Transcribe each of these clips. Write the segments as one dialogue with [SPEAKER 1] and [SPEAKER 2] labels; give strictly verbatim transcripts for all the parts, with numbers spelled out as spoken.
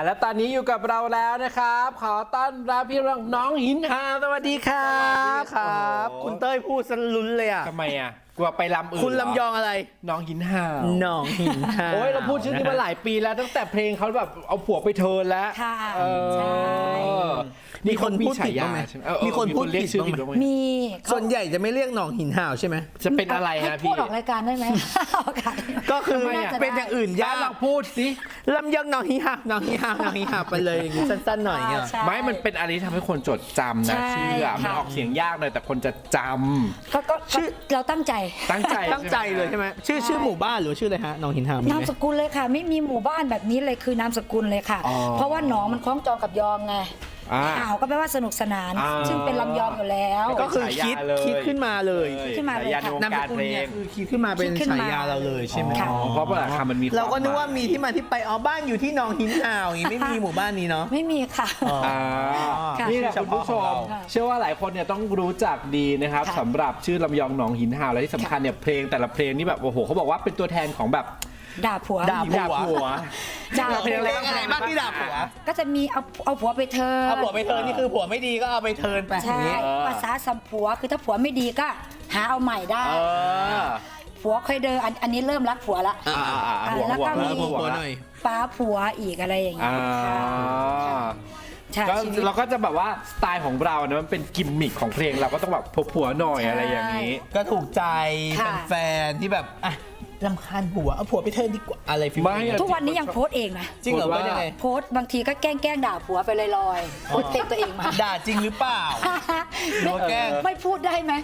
[SPEAKER 1] แล้วตอนนี้อยู่กับเราแล้วนะครับขอต้อนรับพี่น้องหินหาวสวัสดีครับ
[SPEAKER 2] ครับคุณเต้ยพูดสลุ้นเลยอ่ะ
[SPEAKER 1] ทำไมอ่ะกลัวไปลำอื่น
[SPEAKER 2] คุณลำยองอะไร
[SPEAKER 1] น้องหินหาว
[SPEAKER 2] น้องหินหาว
[SPEAKER 1] โอ้ยเราพูดชื่อนี้มาหลายปีแล้วตั้งแต่เพลงเขาแบบเอาผัวไปเทิร์นแล้ว
[SPEAKER 3] ค่ะ
[SPEAKER 1] ใช่
[SPEAKER 2] มีคนพูดผิดบ้างไหมมีคนพูดผิดบ้างไหม
[SPEAKER 3] มี
[SPEAKER 2] ส่วนใหญ่จะไม่เรียกน้องหินหาวใช่ไหม
[SPEAKER 1] จะเป็นอะไรฮะพี่
[SPEAKER 3] พูดออกรายการได้ไหม
[SPEAKER 2] ก็คือเป็นอย่างอื่นยาก
[SPEAKER 1] ลองพูดสิ
[SPEAKER 2] ลำยองน้องหินหาวน้องหินหาวน้องหินหาวไปเลยอย่างนี้สั้นๆหน่อยเงี้ย
[SPEAKER 1] ไม่มันเป็นอะไรที่ทำให้คนจดจำนะชื่อมันออกเสียงยากหน่อยแต่คนจะจำ
[SPEAKER 3] ก็ชื่อเราตั้งใจ
[SPEAKER 1] ตั้งใจ
[SPEAKER 2] ตั้งใจเลยใช่ไหมชื่อชื่อหมู่บ้านหรือชื่ออะไรฮะน้องหินหาวน
[SPEAKER 3] ามสกุลเลยค่ะไม่มีหมู่บ้านแบบนี้เลยคือนามสกุลเลยค่ะเพราะว่าหนองมันคล้องจองกับยองไงอ้าวก็แปลว่าสนุกสนานซึ่งเป็นลำยองอยู่แล้ว
[SPEAKER 2] ก็คือคิดคิดขึ้นมาเลย
[SPEAKER 3] ขึ้นมาเลยค่ะ
[SPEAKER 1] นามสกุล
[SPEAKER 2] เนี่ยคือคิดขึ้นมาเป็นฉายาเราเลยใช่ไหม
[SPEAKER 1] เพราะว่าคำมันมี
[SPEAKER 2] เราก็นึกว่ามีที่มาที่ไปอ๋อบ้านอยู่ที่หนองหินหาวอย่างนี้ไม่มีหมู่บ้านนี้เนาะ
[SPEAKER 3] ไม่มีค่ะ
[SPEAKER 1] นี่แหละคุณผู้ชมเชื่อว่าหลายคนเนี่ยต้องรู้จักดีนะครับสำหรับชื่อลำยองหนองหินหาวและที่สำคัญเนี่ยเพลงแต่ละเพลงนี่แบบโอ้โหเขาบอกว่าเป็นตัวแทนของแบบ
[SPEAKER 3] ด่าผัว
[SPEAKER 2] ด่าผัว
[SPEAKER 3] ด่า
[SPEAKER 2] เพลงอะไรบ้างที่ด่าผัว
[SPEAKER 3] ก็จะมีเอาเอาผัวไปเทิร์น
[SPEAKER 2] เอาผัวไปเทิร์นนี่คือผัวไม่ดีก็เอาไปเทิร์นไป
[SPEAKER 3] ใช่ภาษาสัมผัวคือถ้าผัวไม่ดีก็หาเอาใหม่ได้ผัวเคยเดินอันนี้เริ่มรักผัวละแล้วก็มีป้าผัวอีกอะไรอย่างเงี้ย
[SPEAKER 1] ก็เราก็จะแบบว่าสไตล์ของเราเนี่ยมันเป็นกิมมิคของเพลงเราก็ต้องแบบผัวหน่อยอะไรอย่างนี้
[SPEAKER 2] ก็ถูกใจแฟนที่แบบอ่ะรำคาญผัวเอาผัวไปเทิร์นดีกว่าอะไรฟิล
[SPEAKER 3] นี้ทุกวันนี้ยังโพสเองนะ
[SPEAKER 2] จริงเหรอว่ายังไง
[SPEAKER 3] โพสบางทีก็แกล้งแกล้งด่าผัวไปลอยๆโพสเพลงตัวเองมา
[SPEAKER 2] ด่าจริงหรือเปล่า
[SPEAKER 3] ไม่แกล้งไม่พูดได้ไหม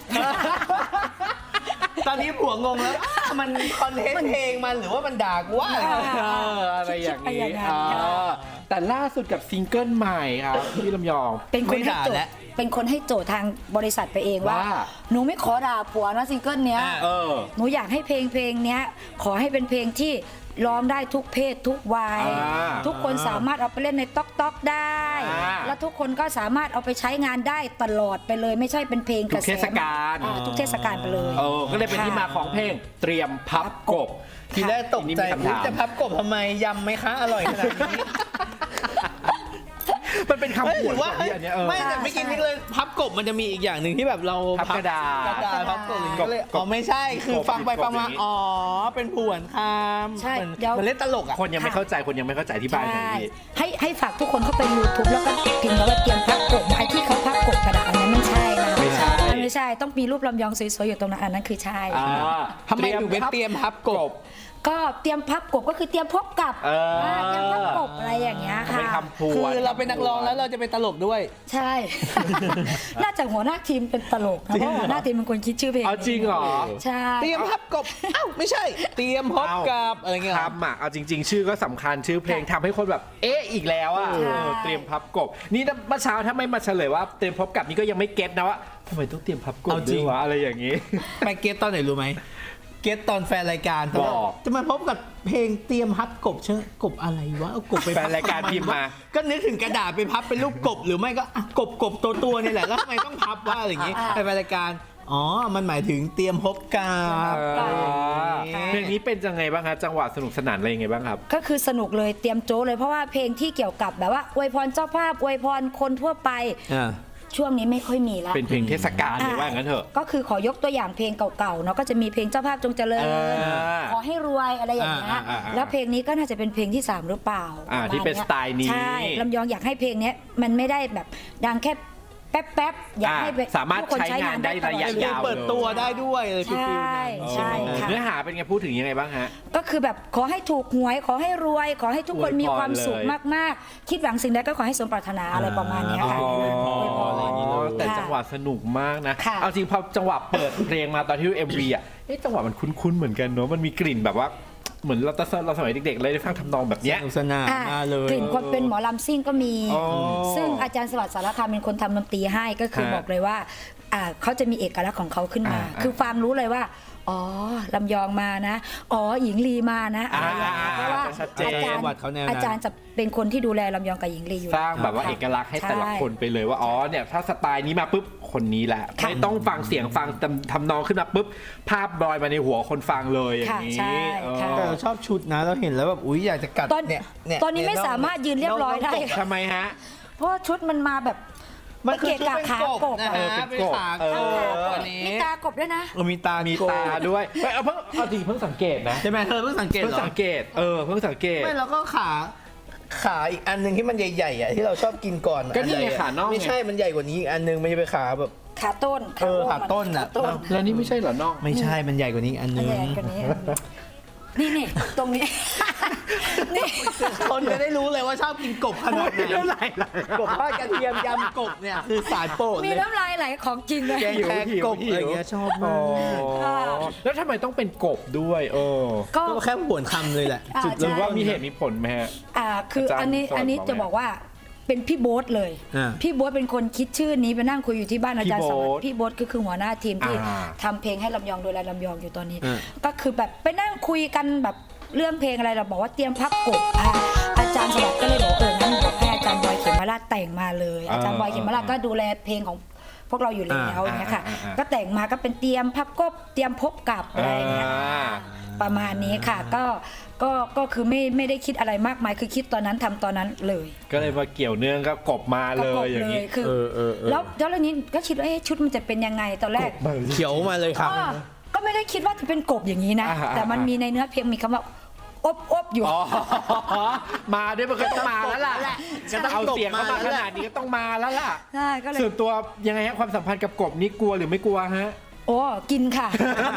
[SPEAKER 2] ตอนนี้ผัวงงแล้วมันคอนเทนต์เพลงมันหรือว่ามันด่ากูว่า
[SPEAKER 1] อะไรอย่างนี้แต่ล่าสุดกับซิงเกิลใหม่ครับพี่ลำยอง
[SPEAKER 3] เป็นคนให้โจทย์เป็นคนให้โจทย์ทางบริษัทไปเองว่าหนูไม่ขอด่าผัวนะซิงเกิลเนี้ยหนูอยากให้เพลงเพลงเนี้ยขอให้เป็นเพลงที่ร้องได้ทุกเพศทุกวัยทุกคนสามารถเอาไปเล่นในต๊อกต๊อกได้แล้วทุกคนก็สามารถเอาไปใช้งานได้ตลอดไปเลยไม่ใช่เป็นเพลง
[SPEAKER 1] กระแสทุกเทศกาล
[SPEAKER 3] ทุกเทศกาลไปเลย
[SPEAKER 1] ก็เลยเป็นที่มาของเพลงเตรียมพับกบ
[SPEAKER 2] ทีแรกตกใจจะพับกบทำไมยำไหมคะอร่อยขนาดนี้
[SPEAKER 1] มันเป็นคำพูดว่า
[SPEAKER 2] ไม่แต่ไม่กินนี่เลยพับกบมันจะมีอีกอย่างหนึ่งที่แบบเรา
[SPEAKER 1] พับกระดาษ
[SPEAKER 2] กระดาษพับกบก็เลยอ๋อไม่ใช่คือฟังไปฟังมาอ๋อเป็นผวนคำ
[SPEAKER 3] ใช่
[SPEAKER 2] มันเล่นตลกอ่ะ
[SPEAKER 1] คนยังไม่เข้าใจคนยังไม่เข้าใจที่บ้านนี้
[SPEAKER 3] ให้ให้ฝากทุกคนเข้าไป ยูทูบ แล้วก็พิมพ์ว่าเตรียมพับกบไอ้ที่เขาพับกบกระดาษนั้นไม่ใช่นะไม่ใช่ไม่ใช่ต้องมีรูปลำยองสวยๆอยู่ตรงนั้นอันนั้นคือใช่
[SPEAKER 2] ทำไมถึงเป็นเตรียมพับกบ
[SPEAKER 3] ก็เตรียมพับกบก็คือเตรียมพบกับเตรียมพับกบอะไรอย่างเงี้ยค่ะ
[SPEAKER 2] คือเราเป็นนักร้องแล้วเราจะเป็นตลกด้วย
[SPEAKER 3] ใช่น่าจะหัวหน้าทีมเป็นตลกเพราะหัวหน้าทีมเป็นคนคิดชื่อเพลง
[SPEAKER 1] เอาจริงเหรอ
[SPEAKER 3] ใช่
[SPEAKER 2] เตรียมพับกบเอ้าไม่ใช่เตรียมพบกับอะไรเงี้ย
[SPEAKER 1] ครับอ่ะเอาจริงๆชื่อก็สำคัญชื่อเพลงทำให้คนแบบเอ๊ะอีกแล้วอ่ะเตรียมพับกบนี่เมื่อเช้าถ้าไม่มาเฉลยว่าเตรียมพบกับนี่ก็ยังไม่เก็ตนะว่าทำไมต้องเตรียมพับกบด้วยวะอะไรอย่างงี้
[SPEAKER 2] ไปเก็ตตอนไหนรู้ไหมเก็ตตอนแฟนรายการบอกจะมาพบกับเพลงเตรียมพับกบเชื่อกบอะไรวะเอากบไป
[SPEAKER 1] แฟนรายการพิมพ์มา
[SPEAKER 2] ก็นึกถึงกระดาษไปพับเป็นรูปกบหรือไม่ก็กบกบตัวตัวนี่แหละแล้วทำไมต้องพับว่าอะไรอย่างงี้แฟนรายการอ๋อมันหมายถึงเตรียมพบกับ
[SPEAKER 1] เพลงนี้เป็นยังไงบ้างครับจังหวะสนุกสนานอะไรยังไงบ้างครับ
[SPEAKER 3] ก็คือสนุกเลยเตรียมโจ้เลยเพราะว่าเพลงที่เกี่ยวกับแบบว่าอวยพรเจ้าภาพอวยพรคนทั่วไปช่วงนี้ไม่ค่อยมีแล้ว
[SPEAKER 1] เป็นเพลงเทศกาลหรือว่าอย่างนั้นเถอะ
[SPEAKER 3] ก็คือขอยกตัวอย่างเพลงเก่าๆเนาะก็จะมีเพลงเจ้าภาพจงเจริญขอให้รวยอะไรอย่างเงี้ยแล้วเพลงนี้ก็น่าจะเป็นเพลงที่สามหรือเปล่า
[SPEAKER 1] ที่เป็นสไตล์นี้
[SPEAKER 3] ใช่ลำยองอยากให้เพลงนี้มันไม่ได้แบบดังแค่แป๊บๆอยากให้
[SPEAKER 1] สามารถใช้งานได้ระยะยาว
[SPEAKER 2] เปิดตัวได้ด้วยเลย
[SPEAKER 3] ใช่ใช่ค่ะ
[SPEAKER 1] เนื้อหาเป็นไงพูดถึงยังไงบ้างฮะ
[SPEAKER 3] ก็คือแบบขอให้ถูกหวยขอให้รวยขอให้ทุกคนมีความสุขมากๆคิดหวังสิ่งใดก็ขอให้สมปรารถนาอะไรประมาณนี้ค่ะ
[SPEAKER 1] แต่จังหวะสนุกมากนะเอาจริงพอจังหวะเปิดเพลงมาตอนที่ เอ็ม วี อ่ะจังหวะมันคุ้นๆเหมือนกันเนาะมันมีกลิ่นแบบว่าเหมือนเราตอนเราสมัยเด็กๆเลยได้ฟังทำนองแบบนี้
[SPEAKER 2] สนุกสนานมาเลย
[SPEAKER 3] กลิ่นความเป็นหมอลำซิ่งก็มีซึ่งอาจารย์สวัสดิ์สารคามเป็นคนทำดนตรีให้ก็คือบอกเลยว่าเขาจะมีเอกลักษณ์ของเขาขึ้นมาคือฟังรู้เลยว่าอ๋อลำยองมานะอ๋อหญิงลีมานะอะไรอย่างเงี้ยเพราะว่า
[SPEAKER 1] ชัดเจน
[SPEAKER 3] อาจารย์
[SPEAKER 2] วัดเขาแนวนั้น
[SPEAKER 3] อาจารย์จะเป็นคนที่ดูแลลำยองกับหญิงลีอยู่
[SPEAKER 1] สร้างแบบว่าเอกลักษณ์ให้แต่ละคนไปเลยว่าอ๋อเนี่ยถ้าสไตล์นี้มาปุ๊บคนนี้แหละไม่ต้องฟังเสียงฟังทำนองขึ้นมาปุ๊บภาพลอยมาในหัวคนฟังเลยอย่างนี้
[SPEAKER 3] ค่ะใช่ค่ะ
[SPEAKER 2] แต่เราชอบชุดนะเราเห็นแล้วแบบอุ้ยอยากจะกัด
[SPEAKER 3] ตอน
[SPEAKER 2] เนี่ยเย
[SPEAKER 3] ตอนนี้ไม่สามารถยืนเรียบร้อยได้
[SPEAKER 2] น้งๆ
[SPEAKER 1] ทำไมฮะ
[SPEAKER 3] เพราะว่าชุดมันมาแบบ
[SPEAKER 2] มันคือชุด
[SPEAKER 3] เกะ
[SPEAKER 2] เป็น
[SPEAKER 3] กะขาก
[SPEAKER 2] ก
[SPEAKER 3] บบ
[SPEAKER 2] นะ
[SPEAKER 3] อะ
[SPEAKER 2] ฮะ
[SPEAKER 1] เป็
[SPEAKER 2] เป็น น
[SPEAKER 1] กบ
[SPEAKER 2] ขา
[SPEAKER 1] เออ
[SPEAKER 2] กบอันนี้
[SPEAKER 3] มีตากบด้วยนะ
[SPEAKER 2] เออมีตา
[SPEAKER 1] มี
[SPEAKER 2] มี
[SPEAKER 1] ตาด้วยไม่เอาเพิ่งเอาจริงเพิ่งสังเกตนะ
[SPEAKER 2] ใช่ไหมเธอเพิ่งสังเกต
[SPEAKER 1] เพิ่ง
[SPEAKER 2] เหรอ
[SPEAKER 1] สังเกตเออเพิ่งสังเกต
[SPEAKER 2] ไม่แล้วก็ขาขาอีกอันหนึ่งที่มันใหญ่ๆอ่ะที่เราชอบกินก่อน
[SPEAKER 1] ก็นี่ไง
[SPEAKER 2] อัใหญ่ๆ
[SPEAKER 1] ขาน่องไง
[SPEAKER 2] ไม่ใช่มันใหญ่กว่านี้อีกอันหนึงมันจะเป็นขาแบบ
[SPEAKER 3] ขาต้น
[SPEAKER 2] เออขาต้นน่ะ
[SPEAKER 3] ขาต้น
[SPEAKER 1] แล้วนี่ไม่ใช่เหรอน้อง
[SPEAKER 2] ไม่ใช่มันใหญ่กว่านี้อีกอันห
[SPEAKER 3] อั
[SPEAKER 2] นึ
[SPEAKER 3] น
[SPEAKER 2] ง
[SPEAKER 3] ใหญ่กว่านี้นี่นี่ตรงนี้ นี่
[SPEAKER 2] คนจะได้รู้เลยว่าชอบกินกบขนาดไหน
[SPEAKER 1] เท่าไหร่ล่ะ
[SPEAKER 2] กบทอดกระเทียมยำกบเนี่ยคือสายโปรด
[SPEAKER 3] มี
[SPEAKER 2] เลย
[SPEAKER 3] น้ำลายไหลของจริงเลย
[SPEAKER 2] แกงแครกบอะไรเงี้ยชอบมาก
[SPEAKER 3] ค่ะ
[SPEAKER 1] แล้วทำไมต้องเป็นกบด้วยเออ
[SPEAKER 3] ก็
[SPEAKER 2] ก็แค่ผวนคำเลยแหละ
[SPEAKER 3] อ่า
[SPEAKER 2] จุด
[SPEAKER 1] หรือว่า
[SPEAKER 2] เริ่มต้น
[SPEAKER 1] มีเหตุมีผลไหมฮะ
[SPEAKER 3] อ่าคือ
[SPEAKER 1] อาจารย์
[SPEAKER 3] อันนี้
[SPEAKER 1] สอน
[SPEAKER 3] อันนี้
[SPEAKER 1] บอก
[SPEAKER 3] จะ
[SPEAKER 1] ไหม
[SPEAKER 3] บอกว่าเป็นพี่โบ๊ทเลย
[SPEAKER 2] อ่า
[SPEAKER 3] พี่โบ๊ทเป็นคนคิดชื่อนี้ไปนั่งคุยอยู่ที่บ้านอาจารย์
[SPEAKER 1] พี่
[SPEAKER 3] ส
[SPEAKER 1] โบ๊
[SPEAKER 3] วั
[SPEAKER 1] ท
[SPEAKER 3] สดิ์พี่โบ๊ทก็คือหัวหน้าทีมที่
[SPEAKER 1] อ่า
[SPEAKER 3] ทำเพลงให้ลำยองดูแลลำยองอยู่ตอนนี้
[SPEAKER 2] อ่า
[SPEAKER 3] ก็คือแบบไปนั่งคุยกันแบบเรื่องเพลงอะไรเราบอกว่าเตรียมพับกบอ่าอาจารย์สวัสดิ์ก็เลยบอกเอองั้นบอกให้อาจารย์บอยเขมราชแต่งมาเลย อาจารย์บอยเขมราชก็ดูแลเพลงของพวกเราอยู่แล้วอย่างเงี้ยค่ะ
[SPEAKER 1] อ่าอ่าอ่า
[SPEAKER 3] ก็แต่งมาก็เป็นเตรียมพับกบเตรียมพบกับอะไรอย่างเงี้ย
[SPEAKER 1] อ่า
[SPEAKER 3] ประมาณนี้ค่ะก็ก็ก็คือไม่ไม่ได้คิดอะไรมากมายคือคิดตอนนั้นทำตอนนั้นเลย
[SPEAKER 1] ก็เลยมาเกี่ยวเนื่องกับกบมาเล
[SPEAKER 3] ก็ก
[SPEAKER 1] ย
[SPEAKER 3] บ
[SPEAKER 1] อย่าง
[SPEAKER 3] เล
[SPEAKER 1] นี้
[SPEAKER 3] ยคือ
[SPEAKER 2] เออเออเออ
[SPEAKER 3] แล้วแล้วเรื่องนี้ก็คิดว่าเอ๊ะชุดมันจะเป็นยังไงตอนแรก
[SPEAKER 2] เขียวมาเลยครับ
[SPEAKER 3] อ้อก็ไม่ได้คิดว่าจะเป็นกบอย่างนี้นะ
[SPEAKER 1] อ่าอ่า
[SPEAKER 3] แต่มันมีในเนื้อเพลงมีคำว่าอบอบอยู่
[SPEAKER 1] อ๋อมาด้วยมันก็ต้องมาแล้วล่ะ
[SPEAKER 2] จะต้อง
[SPEAKER 1] เอาเสียงเข้ามา
[SPEAKER 2] มาแล้ว
[SPEAKER 1] ข
[SPEAKER 2] แหละ
[SPEAKER 1] นาดนี้ก็ต้องมาแล้วล่ะ
[SPEAKER 3] ใช่ก็เลย
[SPEAKER 1] ส่วนตัวยังไงฮะความสัมพันธ์กับกบนี่กลัวหรือไม่กลัวฮะ
[SPEAKER 3] โอ้กินค่ะ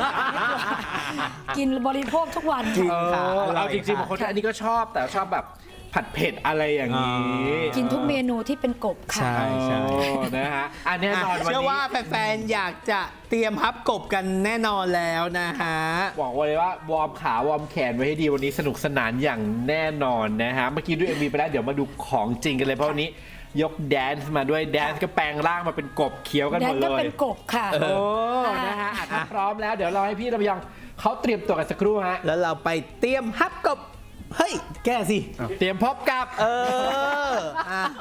[SPEAKER 3] กินบริโภคทุกวัน
[SPEAKER 2] จริง
[SPEAKER 1] เอ
[SPEAKER 2] ค่ะ
[SPEAKER 1] อ
[SPEAKER 2] อร่อย
[SPEAKER 1] เอาจริงๆ
[SPEAKER 2] ค่ะ
[SPEAKER 1] บางคนอันนี้ก็ชอบแต่ชอบแบบผัดเผ็ดอะไรอย่างนี้
[SPEAKER 3] กินทุกเมนูที่เป็นกบค่ะ
[SPEAKER 2] ใช่ใช่
[SPEAKER 1] โอ้นะฮะอันแน่นอนวัน
[SPEAKER 2] เชื่อ
[SPEAKER 1] นี้
[SPEAKER 2] ว่าแฟนๆ อยากจะเตรียมพับกบกันแน่นอนแล้วนะฮะ
[SPEAKER 1] บอกไว้เลยว่าวอร์มขาวอร์มแขนไว้ให้ดีวันนี้สนุกสนานอย่างแน่นอนนะฮะเมื่อกี้ดู เอ็ม วี ไปแล้วเดี๋ยวมาดูของจริงกันเลยเพราะวันนี้ยกแดนซ์มาด้วยแดนซ์ก็แปลงร่างมาเป็นกบเคี้ยวกัน
[SPEAKER 3] แด
[SPEAKER 1] หม
[SPEAKER 3] น
[SPEAKER 1] ด
[SPEAKER 3] ก็
[SPEAKER 1] เล
[SPEAKER 3] เป็
[SPEAKER 1] ย
[SPEAKER 3] นกบค่ะ
[SPEAKER 1] โอ้นะฮะอ่ะถ้าพร้อมแล้วเดี๋ยวเราให้พี่ลำยองเขาเตรียมตัวกันสักครู่ฮะ
[SPEAKER 2] แล้วเราไปเตรียมพับกบ เฮ้ย แก้สิ
[SPEAKER 1] เตรียมพบกับ
[SPEAKER 2] เอออ่ะ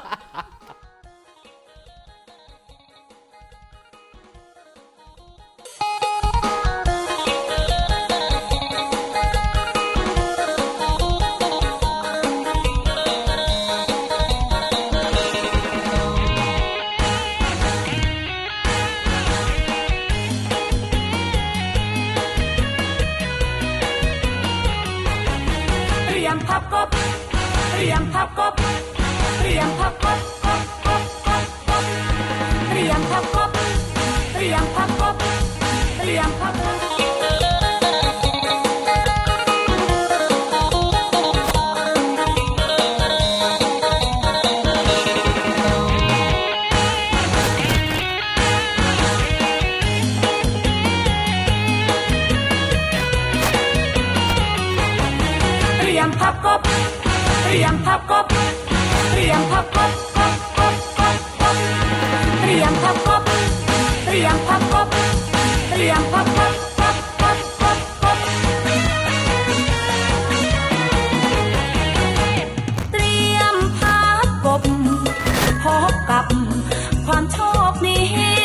[SPEAKER 4] เตรียมพับกบเตรียมพับกบเตรียมพับกบกบกบกบกบเตรียมพับกบเตรียมพับกบเตรียมพับกบเตรียมพับกบเตรียมพับกบเตรียมพับกบกบกบกบกบเตรียมพับกบเตรียมพับกบเตรียมพับกบกบกบกบกบเตรียมพับกบพบกับความโชคดี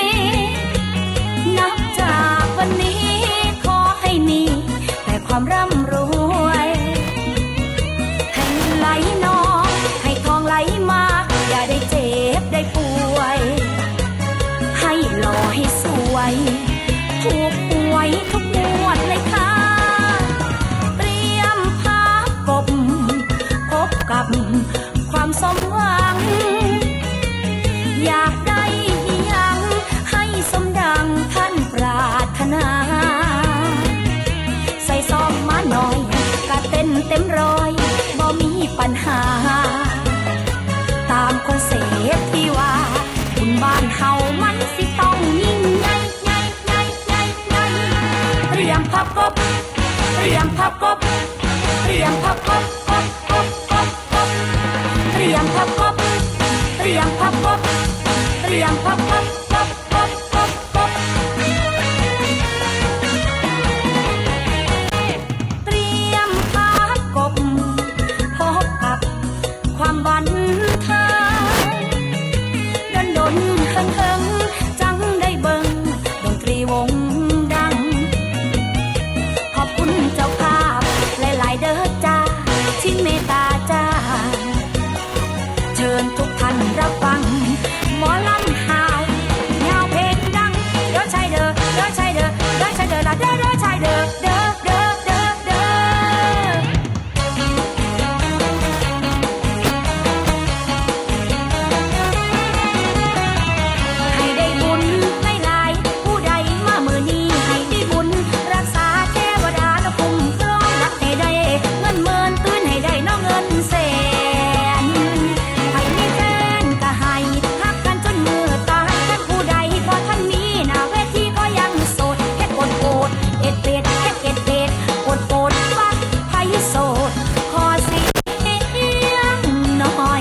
[SPEAKER 4] นับจากวันนี้ขอให้มีแต่ความร่ำรวยให้เงินไหลนองให้ทองไหลมาอย่าได้เจ็บได้ป่วยให้หล่อให้สวยถูกหวยทุกงวดเลยค่ะเตรียมพับกบพบกับความสมหวังอยากได้หยังให้สมดังท่านปรารถนาใส่ซองมาหน่อยกะเต้นเต็มร้อยบ่มีปัญหาตามคอนเซ็ปต์ที่ว่าบุญบ้านเฮามันสิต้องยิ่งใหญ่ใหญ่ใหญ่ใหญ่ใหญ่เตรียมพับกบเตรียมพับกบเตรียมพับกบกบกบกบกบเตรียมพับกบเตรียมพับกบเตรียมพับกบกบกบกบกบบันเทิงดนดนเฮิงเฮิงจังได้เบิ่งดนตรีวงดังขอบคุณเจ้าภาพหลายๆเด้อจ้าที่เมตตาจ้าเชิญทุกท่านรับฟังหมอลำหาวแนวเพลงดังเด้อชายเด้อเด้อชายเด้อเด้อชายเด้อละเด้อเด้อชายเด้อเด้อเด้อเด้อเด้อให้ได้บุญให้หลายผู้ใดมามื้อนี้ให้ได้บุญรักษาเทวดาและคุ้มครองรักให้ได้เงินหมื่นตื่นให้ได้น้องเงินแสนให้มีแฟนก็ให้ฮักกันจนมือตายท่านผู้ใดพอท่านมีหน้าเวทีก็ยังโสดเฮ็ดโอดโอดเอ็ดเป็ดเฮ็ดเอ็ดเป็ดโอดโอดฟักไผโสดขอเสียงหน่อย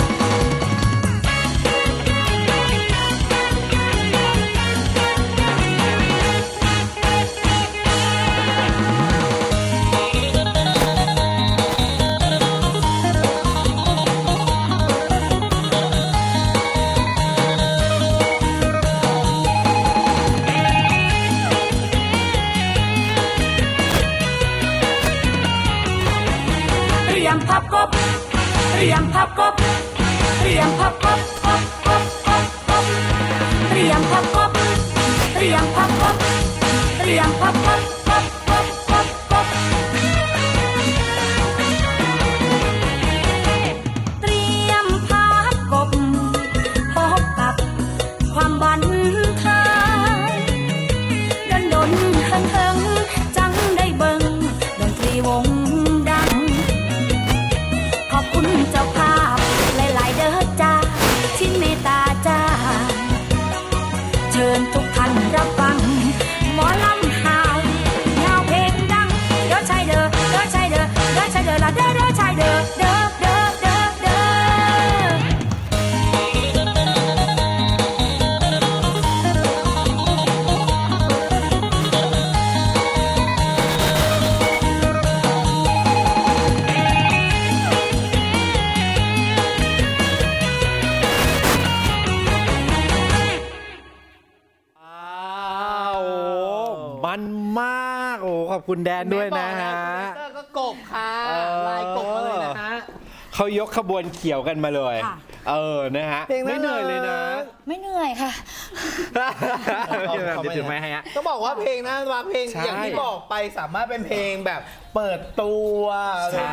[SPEAKER 4] เตรียมพับกบเตรียมพับกบเตรียมพับกบกบกบกบกบเตรียมพับกบเตรียมพับกบเตรียมพับกบกบกบกบกบเตรียมพับกบพบกับความบันเทิงดนดนเฮิงเฮิงจังได้เบิ่งดนตรีวงดัง ขอบคุณเจ้าภาพหลายๆเด้อจ้าที่เมตตาจ้าเชิญทุกท่านรับฟังหมอลำหาวแนวเพลงดังเด้อชายเด้อเด้อชายเด้อเด้อชายเด้อละเด้อเด้อชายเด้อเด้อเด้อเด้อเด้อ
[SPEAKER 1] อ้าวมันมากโอ้ขอบคุณแดนด้วยนะฮะ
[SPEAKER 2] เตอร์ก็กบค่ะ
[SPEAKER 1] เออ
[SPEAKER 2] ลายกบมาเลยนะฮะ
[SPEAKER 1] เขายกขบวนเขียวกันมาเลย
[SPEAKER 3] ค่ะ
[SPEAKER 1] เออนะฮะ
[SPEAKER 2] เพลงน่า
[SPEAKER 1] ไม่เหนื่อยเลยนะ
[SPEAKER 2] รัก
[SPEAKER 3] ไม่เหนื่อยค่ะ
[SPEAKER 1] เดี๋ยวเดี๋ยวถึงไหมฮะ
[SPEAKER 2] ต้องบอกว่าเพลงนะว่าเพลง
[SPEAKER 1] ใช่
[SPEAKER 2] อย่างที่บอกไปสามารถเป็นเพลงแบบเปิดตัว
[SPEAKER 1] ใช่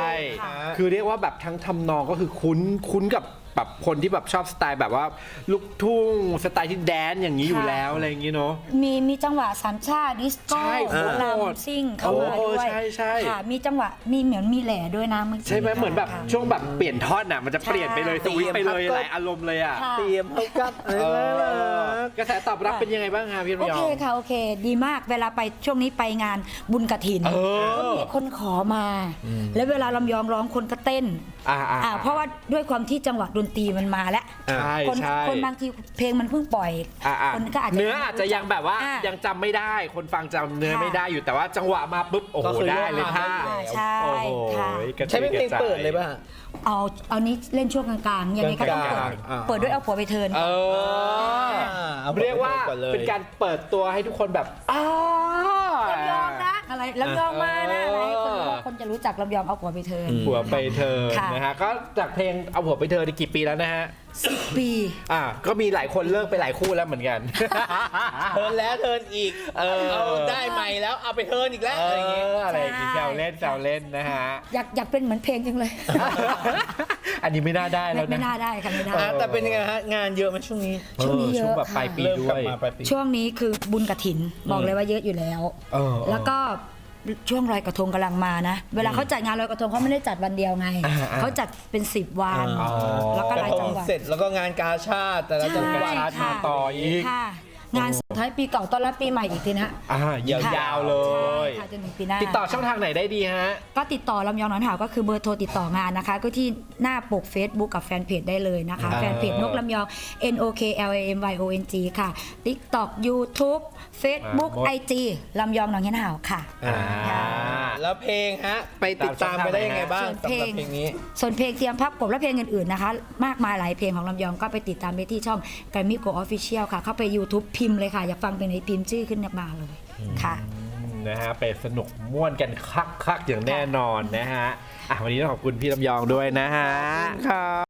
[SPEAKER 2] ค่ะ
[SPEAKER 1] คือเรียกว่าแบบทั้งทำนองก็คือคุ้นคุ้นกับแบบคนที่แบบชอบสไตล์แบบว่าลูกทุ่งสไตล์ที่แดนอย่างนี้อยู่
[SPEAKER 3] ค่ะ
[SPEAKER 1] แล้วอะไรอย่างนี้เนาะ
[SPEAKER 3] มีมีจังหวะสามชาติดิสโก้
[SPEAKER 1] ใช่
[SPEAKER 3] โค
[SPEAKER 1] โคตร
[SPEAKER 3] ลำซิ่งเข้ามา
[SPEAKER 1] โอ้
[SPEAKER 3] ด้วย
[SPEAKER 1] ใช่ใช่
[SPEAKER 3] ค่ะมีจังหวะมีเหมือนมีแหล่ด้วยนะเมื่อกี้
[SPEAKER 1] ใช่ไหมเหมือนแบบ
[SPEAKER 3] ค่ะ
[SPEAKER 1] ช่วงแบบเปลี่ยนท่อนอ่ะมันจะเปลี่ยนไปเลย
[SPEAKER 3] ใช่
[SPEAKER 1] สวิตช์ไปเลย
[SPEAKER 2] เตรียมพักก็
[SPEAKER 1] หลายอารมณ์เลยอ่ะ
[SPEAKER 3] ค่ะ
[SPEAKER 2] เตรียมเข้ากับเอ
[SPEAKER 1] เอ
[SPEAKER 2] อ
[SPEAKER 1] อกระแสตอบรับเป็นยังไงบ้างคะพี่
[SPEAKER 3] โอ
[SPEAKER 1] รยอ
[SPEAKER 3] เค
[SPEAKER 1] ง
[SPEAKER 3] ค่ะโอเค ดีมากเวลาไปช่วงนี้ไปงานบุญกฐิน
[SPEAKER 1] เออ
[SPEAKER 3] มีคนขอมา แล้วเวลาลำยองร้องคนก็เต้น
[SPEAKER 1] อ่าอ่า
[SPEAKER 3] อ่าเพราะว่าด้วยความที่จังหวะดนตรีมันมาแล้ว
[SPEAKER 1] ใช่
[SPEAKER 3] คน
[SPEAKER 1] ใช่
[SPEAKER 3] คนบางทีเพลงมันเพิ่งปล่อย
[SPEAKER 1] อ่าอ่า
[SPEAKER 3] คนก็อาจจะ
[SPEAKER 1] เนื้ออาจจะยังแบบว่า
[SPEAKER 3] อ่า
[SPEAKER 1] ยังจำไม่ได้ คนฟังจำเนื้อ
[SPEAKER 3] ค่ะ
[SPEAKER 1] ไม่ได้อยู่แต่ว่าจังหวะมาปุ๊บโอ้โห
[SPEAKER 2] ก็คือ
[SPEAKER 1] ได้เลย
[SPEAKER 2] ร่วม
[SPEAKER 1] ท่า
[SPEAKER 2] มาได้
[SPEAKER 3] ใช่
[SPEAKER 1] โอ้โห
[SPEAKER 3] ค่ะ
[SPEAKER 1] กระจุย
[SPEAKER 2] ใช้เป็นเพลง
[SPEAKER 1] กระจาย
[SPEAKER 2] เปิดเลยป่ะ
[SPEAKER 3] เอาเอานี้เล่นช่วงกลางๆยังไงก็ต้องเปิด
[SPEAKER 2] กลางๆอ่า
[SPEAKER 3] เปิดด้วยเอาผัวไปเทิร์น
[SPEAKER 1] เออ
[SPEAKER 2] เอา
[SPEAKER 1] เรียกว่า
[SPEAKER 2] ก่อนเลย
[SPEAKER 1] เป็นการเปิดตัวให้ทุกคนแบบอ้า
[SPEAKER 3] ลำยองนะอะไรลำยองมานะอะไรคน
[SPEAKER 1] เออ
[SPEAKER 3] คนจะรู้จักลำยองเอาผัวไปเทิร์น
[SPEAKER 1] ผัวไปเธอ
[SPEAKER 3] ค่ะ
[SPEAKER 1] นะฮะก็จากเพลงเอาผัวไปเธอได้กี่ปีแล้วนะฮะ
[SPEAKER 3] สิบปี
[SPEAKER 1] อ่าก็มีหลายคนเลิกไปหลายคู่แล้วเหมือนกัน
[SPEAKER 2] เทิร์นแล้วเทิร์นอีก
[SPEAKER 1] เออ
[SPEAKER 2] เอาได้ใหม่แล้วเอาไปเทิร์นอีกแล้ว
[SPEAKER 1] เอ
[SPEAKER 2] อะไรอย่างเงี้ย
[SPEAKER 1] ออะไรอย่างงี้แซวเล่นแซวเล่นนะฮะ
[SPEAKER 3] อยากอยากเป็นเหมือนเพลงจังเลย
[SPEAKER 1] อันนี้ไม่น่าได้
[SPEAKER 3] ไม่
[SPEAKER 1] แล้ว
[SPEAKER 3] ไม่
[SPEAKER 1] นะ
[SPEAKER 3] น่าได้ค่ะไม่ได้
[SPEAKER 2] อ่ะแต่เป็นยังไงฮะงานเยอะไหมช่วงนี้
[SPEAKER 3] ช่วงนี้เยอะ
[SPEAKER 1] ช่วงแบบ
[SPEAKER 3] ค่ะ
[SPEAKER 1] ปลายปี
[SPEAKER 2] เริ่ม
[SPEAKER 1] ด้
[SPEAKER 2] กลับ
[SPEAKER 1] วย
[SPEAKER 2] มาปลายปี
[SPEAKER 3] ช่วงนี้คือบุญกระถินบอกเลยว่าเยอะอยู่แล้ว
[SPEAKER 1] เออ
[SPEAKER 3] แล้วก็ช่วงลอยกระทงกำลังมานะ เวลาเขาจัดงานลอยกระทงเขาไม่ได้จัดวันเดียวไง
[SPEAKER 1] อ่าอ่า
[SPEAKER 3] เขาจัดเป็นสิบวัน
[SPEAKER 1] อ๋อ
[SPEAKER 3] แล้วก็
[SPEAKER 2] ก
[SPEAKER 3] ห
[SPEAKER 2] ระ
[SPEAKER 3] ลาย
[SPEAKER 2] ท
[SPEAKER 3] จั
[SPEAKER 2] ง
[SPEAKER 3] งหวัด
[SPEAKER 2] เสร็จแล้วก็งานกาชาติแต่ละจังหวัด
[SPEAKER 3] ใช่
[SPEAKER 1] ชาติมาต่ออีก
[SPEAKER 3] ค่ะ งานสุดท้ายปีเก่าต้อนรับปีใหม่อีกทีนะ
[SPEAKER 1] อ่ายาวๆเลย
[SPEAKER 3] ใช่ค่ะจนถึงปีหน้า
[SPEAKER 1] ติดต่อช่องทางไหนได้ดีฮะ
[SPEAKER 3] ก็ติดต่อลำยองหนอนหาวก็คือเบอร์โทรติดต่องานนะคะ ก็ที่หน้าปก Facebook กับแฟนเพจได้เลยนะคะ
[SPEAKER 1] อ่า
[SPEAKER 3] แฟนเพจนกลำยอง N O K L A M Y O N G ค่ะ TikTok YouTube Facebook
[SPEAKER 1] อ่าหมด
[SPEAKER 3] ไอ จี ลำยองหนองเห็นหาวค่ะ
[SPEAKER 1] อ่า
[SPEAKER 2] แล้วเพลงฮะไปติดตามไปได้ยังไงบ้างสำหรับเพลงนี้
[SPEAKER 3] ส่วนเพลงเตรียมพับกบและเพลงอื่นๆนะคะมากมายหลายเพลงของลำยองก็ไปติดตามได้ที่ช่อง Grammy Go Official ค่ะเข้าไป YouTube พิมพ์เลยค่ะอยากฟังเพลงไหนพิมพ์ชื่อขึ้นมาเลยค่ะ
[SPEAKER 1] นะฮะไปสนุกม่วนกันคักๆอย่างแน่นอนนะฮะอ่ะวันนี้ต้องขอบคุณพี่ลำยองด้วยนะฮะครับ